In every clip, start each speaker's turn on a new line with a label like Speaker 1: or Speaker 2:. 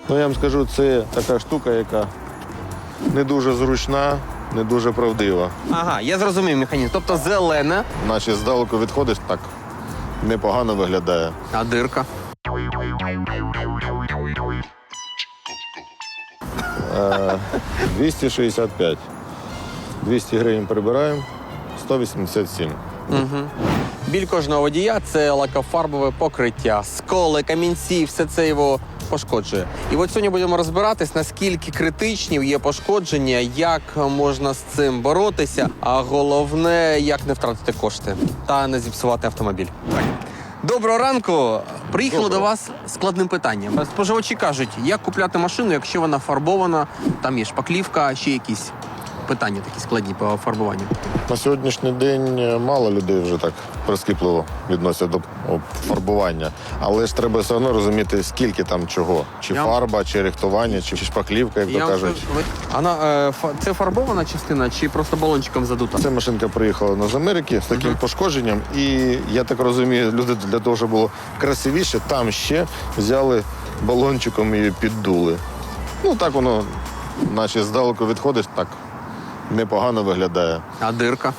Speaker 1: Ну, я вам скажу, це така штука, яка не дуже зручна, не дуже правдива.
Speaker 2: Ага, я зрозумів механізм. Тобто зелена,
Speaker 1: Наче здалеку відходиш, так непогано виглядає.
Speaker 2: а дирка.
Speaker 1: 265. 200 гривень прибираємо, 187.
Speaker 2: Біль кожного водія – це лакофарбове покриття. Сколи, камінці – все це його пошкоджує. І от сьогодні будемо розбиратись, наскільки критичні є пошкодження, як можна з цим боротися, а головне, як не втратити кошти та не зіпсувати автомобіль. Так. Доброго ранку! Приїхали до вас з складним питанням. Споживачі кажуть, як купляти машину, якщо вона фарбована, там є шпаклівка, ще якісь питання такі складні по фарбуванню.
Speaker 1: На сьогоднішній день мало людей вже так прискіпливо відносяться до фарбування. Але ж треба все одно розуміти, скільки там чого. Чи фарба, чи рихтування, чи шпаклівка, як то кажуть.
Speaker 2: Це фарбована частина чи просто балончиком задута?
Speaker 1: Ця машинка приїхала з Америки з таким пошкодженням. І я так розумію, люди для того, щоб було красивіше, там ще взяли балончиком і піддули. Ну так воно, наче здалеку відходиш, так непогано виглядає.
Speaker 2: А дирка?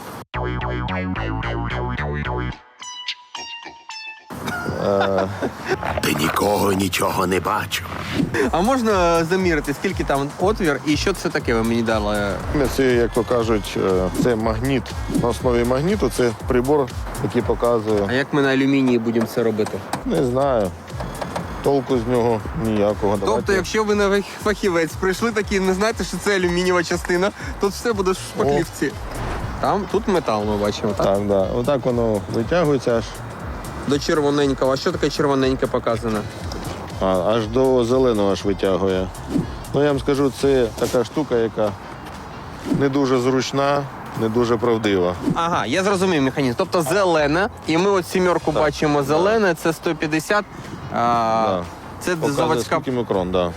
Speaker 3: Ти нікого нічого не бачив.
Speaker 2: А можна замірити, скільки там отвір і що це таке ви мені дали?
Speaker 1: Це, як то кажуть, це магніт. На основі магніту це прибор, який показує.
Speaker 2: А як ми на алюмінії будемо це робити?
Speaker 1: Не знаю. Толку з нього ніякого.
Speaker 2: Тобто, якщо ви не фахівець, прийшли такі, не знаєте, що це алюмінієва частина, тут все буде в шпаклівці. Тут метал ми бачимо, так?
Speaker 1: Так, да. Отак воно витягується аж.
Speaker 2: До червоненького. А що таке червоненьке показано?
Speaker 1: Аж до зеленого аж витягує. Ну, я вам скажу, це така штука, яка не дуже зручна, не дуже правдива.
Speaker 2: Ага, я зрозумів механізм. Тобто зелена, і ми от сімерку бачимо зелене, це 150.
Speaker 1: Да.
Speaker 2: Це
Speaker 1: Показує,
Speaker 2: заводська.
Speaker 1: скільки мікрон, так. Да.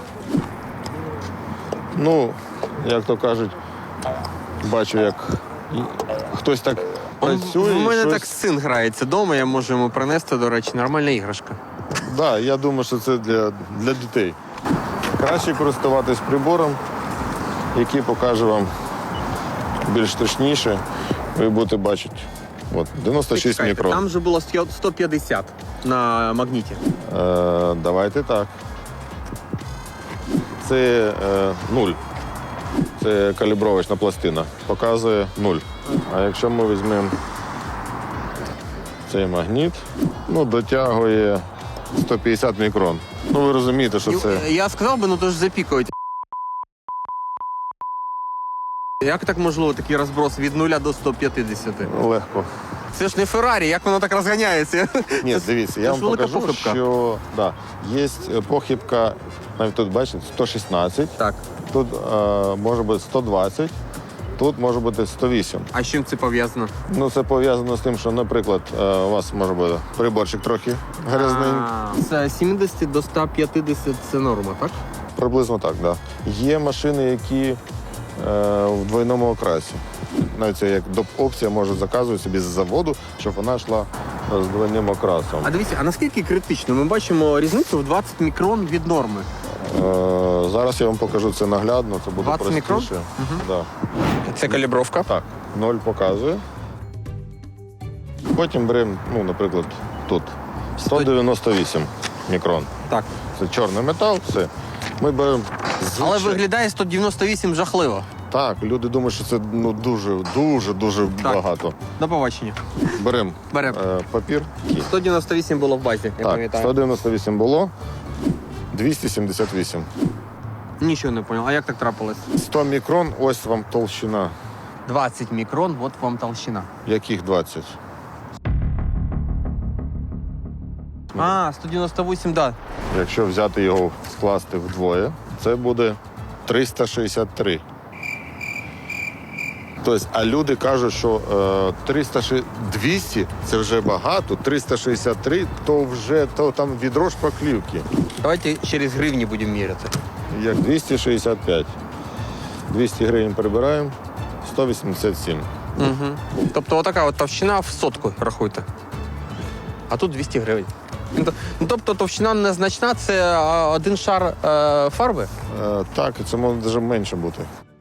Speaker 1: Ну, як то кажуть, бачу, як хтось так працює.
Speaker 2: У мене
Speaker 1: щось...
Speaker 2: так син грається вдома, я можу йому принести, до речі, нормальна іграшка.
Speaker 1: Так, да, я думаю, що це для дітей. Краще користуватись прибором, який покаже вам більш точніше. Ви будете бачити. От, 96
Speaker 2: Чекайте,
Speaker 1: мікрон.
Speaker 2: там же було 150 на магніті.
Speaker 1: Давайте так. Це 0. Це калібровочна пластина. Показує 0. А якщо ми візьмемо цей магніт, дотягує 150 мікрон. Ну, ви розумієте, що це...
Speaker 2: Я сказав би, то ж запікують. Як так можливо такий розброс від 0 до 150?
Speaker 1: Легко.
Speaker 2: Це ж не Феррарі, як воно так розганяється?
Speaker 1: Ні, дивіться, я вам покажу, що є похибка, навіть тут, бачите, 116,
Speaker 2: Так.
Speaker 1: тут може бути 120, тут може бути 108.
Speaker 2: А з чим це пов'язано?
Speaker 1: Ну, це пов'язано з тим, що, наприклад, у вас може бути приборчик трохи грязненький.
Speaker 2: З 70 до 150 це норма, так?
Speaker 1: Приблизно так, так. Да. Є машини, які в двойному окрасі. Навіть це як доп-опція може заказувати собі з заводу, щоб вона йшла з двойним окрасом.
Speaker 2: А дивіться, а наскільки критично? Ми бачимо різницю в 20 мікрон від норми.
Speaker 1: Зараз я вам покажу це наглядно, це буде
Speaker 2: 20 мікрон?
Speaker 1: простіше. Да.
Speaker 2: Це калібровка?
Speaker 1: Так, 0 показує. Потім беремо, наприклад, тут 198 мікрон.
Speaker 2: Так.
Speaker 1: Це чорний метал, все. Ми беремо
Speaker 2: Але виглядає 198 жахливо.
Speaker 1: Так, люди думають, що це дуже багато.
Speaker 2: До побачення.
Speaker 1: Беремо
Speaker 2: Беремо.
Speaker 1: папір.
Speaker 2: 198 було в базі, я
Speaker 1: Так,
Speaker 2: пам'ятаю.
Speaker 1: 198 було, 278.
Speaker 2: Нічого не зрозумів. А як так трапилось?
Speaker 1: 100 мікрон, ось вам толщина.
Speaker 2: 20 мікрон, от вам толщина.
Speaker 1: Яких 20?
Speaker 2: 198, так.
Speaker 1: Якщо взяти його, скласти вдвоє, це буде 363. Тобто, а люди кажуть, що 200 – це вже багато, 363 – то там відро шпаклівки.
Speaker 2: Давайте через гривні будемо міряти.
Speaker 1: Як 265. 200 гривень прибираємо, 187.
Speaker 2: Угу. Тобто отака от товщина в сотку, рахуйте. А тут 200 гривень. Ну, тобто товщина незначна, це один шар фарби?
Speaker 1: Так, і це може навіть менше бути.